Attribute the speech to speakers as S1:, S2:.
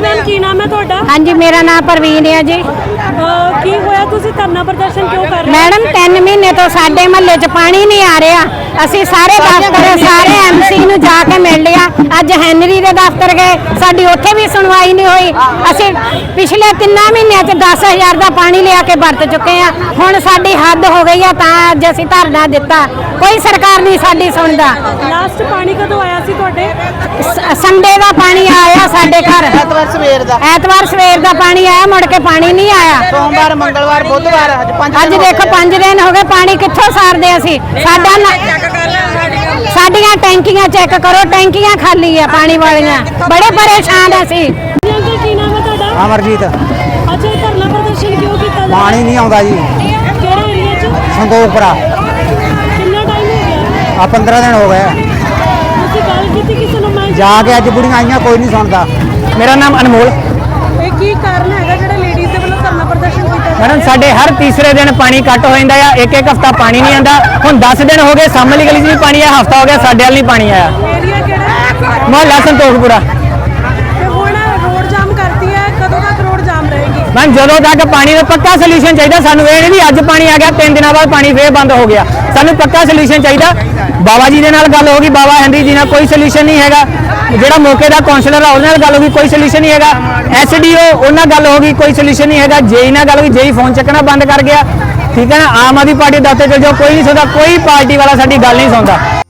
S1: जी ma'am की नाम है ਤੁਹਾਡਾ?
S2: हाँ जी मेरा नाम परवीन है जी।
S1: ਕੀ ਹੋਇਆ ਤੁਸੀਂ ਧਰਨਾ ਪ੍ਰਦਰਸ਼ਨ ਕਿਉਂ ਕਰ ਰਹੇ ਹੋ?
S2: मैडम 3 महीने तो साडे महल्ले च पानी नहीं आ रहा। असी सारे दफ्तर सारे MC ਨੂੰ ਜਾ ਕੇ ਮਿਲ ਲਿਆ। ਅੱਜ ਹੈਨਰੀ ਦੇ ਦਫ਼ਤਰ ਗਏ, ਸਾਡੀ ਉੱਥੇ ਵੀ ਸੁਣਵਾਈ ਨਹੀਂ ਹੋਈ। ਅਸੀਂ ਪਿਛਲੇ 3 ਮਹੀਨਿਆਂ ਚ 10,000 ਦਾ ਪਾਣੀ ਲਿਆ ਕੇ ਵਰਤ ਚੁੱਕੇ ਆ। ਹੁਣ ਸਾਡੀ ਹੱਦ ਹੋ ਗਈ ਆ, ਤਾਂ ਅੱਜ ਅਸੀਂ ਧਰਨਾ ਦਿੱਤਾ। ਕੋਈ ਸਰਕਾਰ ਨਹੀਂ ਸਾਡੀ ਸੁਣਦਾ।
S1: ਲਾਸਟ ਪਾਣੀ ਕਦੋਂ ਆਇਆ ਸੀ ਤੁਹਾਡੇ?
S2: ਸੰਡੇ ਦਾ ਪਾਣੀ ਆਇਆ ਸਾਡੇ ਘਰ। ਐਤਵਾਰ ਸਵੇਰ ਦਾ ਪਾਣੀ ਆਇਆ, ਮੁੜ ਕੇ ਪਾਣੀ ਨਹੀਂ ਆਇਆ।
S3: सोमवार मंगलवार बुधवार
S2: ਅੱਜ ਦੇਖੋ 5 ਦਿਨ ਹੋ ਗਏ, ਪਾਣੀ ਕਿੱਥੋਂ ਸਾਰਦੇ ਅਸੀਂ? ਸਾਡੀਆਂ ਟੈਂਕੀਆਂ ਚੈੱਕ ਕਰੋ, ਟੈਂਕੀਆਂ ਖਾਲੀ ਆ ਪਾਣੀ ਵਾਲੀਆਂ। ਬੜੇ ਪਰੇਸ਼ਾਨ ਅਸੀਂ।
S1: ਅੰਕਲ ਕੀ ਨਾਮ ਹੈ ਤੁਹਾਡਾ?
S4: अमरजीत
S1: ਅੱਛਾ ਇਹ ਧਰਨਾ ਪ੍ਰਦਰਸ਼ਨ ਕਿਉਂ ਕੀਤਾ ਜਾ
S4: पानी नहीं आता जी।
S1: ਕਿਹੜੇ ਏਰੀਆ 'ਚ?
S4: संतोखपुरा
S1: ਕਿੰਨਾ ਟਾਈਮ ਹੋ ਗਿਆ?
S4: आ 15 दिन हो गए
S1: ਤੁਸੀਂ ਗੱਲ ਕੀਤੀ ਕਿਸੇ ਨੂੰ? ਮੈਂ
S4: जाके अज बुढ़िया आईया, कोई नहीं सुनता। मेरा नाम अनमोल।
S1: ਇਹ ਕੀ ਕਾਰਨ ਹੈਗਾ ਜਿਹੜਾ ਲੇਡੀਜ਼ ਦੇ ਵੱਲੋਂ ਧਰਨਾ ਪ੍ਰਦਰਸ਼ਨ ਕੀਤਾ ਜਾ
S5: मैडम साढ़े हर तीसरे दिन पानी कट हो जाता है, एक हफ्ता पानी नहीं आता। हुण 10 दिन हो गए, सामने गली भी पानी आया, हफ्ता हो गया साढ़े वाल नहीं पानी आया।
S1: ਰਿਹਾ? ਏਰੀਆ ਕਿਹੜਾ?
S5: मोहल्ला संतोखपुरा।
S1: ਤੇ ਹੁਣ ਰੋਡ ਜਾਮ ਕਰਤੀ ਹੈ, ਕਦੋਂ ਤੱਕ ਰੋਡ ਜਾਮ ਰਹੇਗੀ?
S5: मैम जो तक पानी का पक्का सोल्यूशन चाहिए सानू, ये नहीं भी अज पानी आ गया 3 दिनों बाद पानी फिर बंद हो गया। सानू पक्का सोल्यूशन चाहिए। बाबा जी के नाल गल होगी, बाबा हैंनरी जी नाल कोई सोल्यूशन नहीं हैगा। ਜਿਹੜਾ ਮੌਕੇ ਦਾ ਕਾਉਂਸਲਰ ਆ ਉਹਦੇ ਨਾਲ ਗੱਲ ਹੋ ਗਈ, ਕੋਈ ਸੋਲੂਸ਼ਨ ਨਹੀਂ ਹੈਗਾ। SDO ਉਹਨਾਂ ਗੱਲ ਹੋ ਗਈ, ਕੋਈ ਸੋਲੂਸ਼ਨ ਨਹੀਂ ਹੈਗਾ। ਜੇਈ ਨਾਲ ਗੱਲ ਹੋਈ, ਜੇਈ ਫੋਨ ਚੱਕਣਾ ਬੰਦ ਕਰ ਗਿਆ। ਠੀਕ ਹੈ ਨਾ। ਆਮ ਆਦਮੀ ਪਾਰਟੀ ਦਫ਼ਤਰ ਚਲ ਜਾਓ, ਕੋਈ ਨਹੀਂ ਸੁਣਦਾ, ਕੋਈ ਪਾਰਟੀ ਵਾਲਾ ਸਾਡੀ ਗੱਲ ਨਹੀਂ ਸੁਣਦਾ।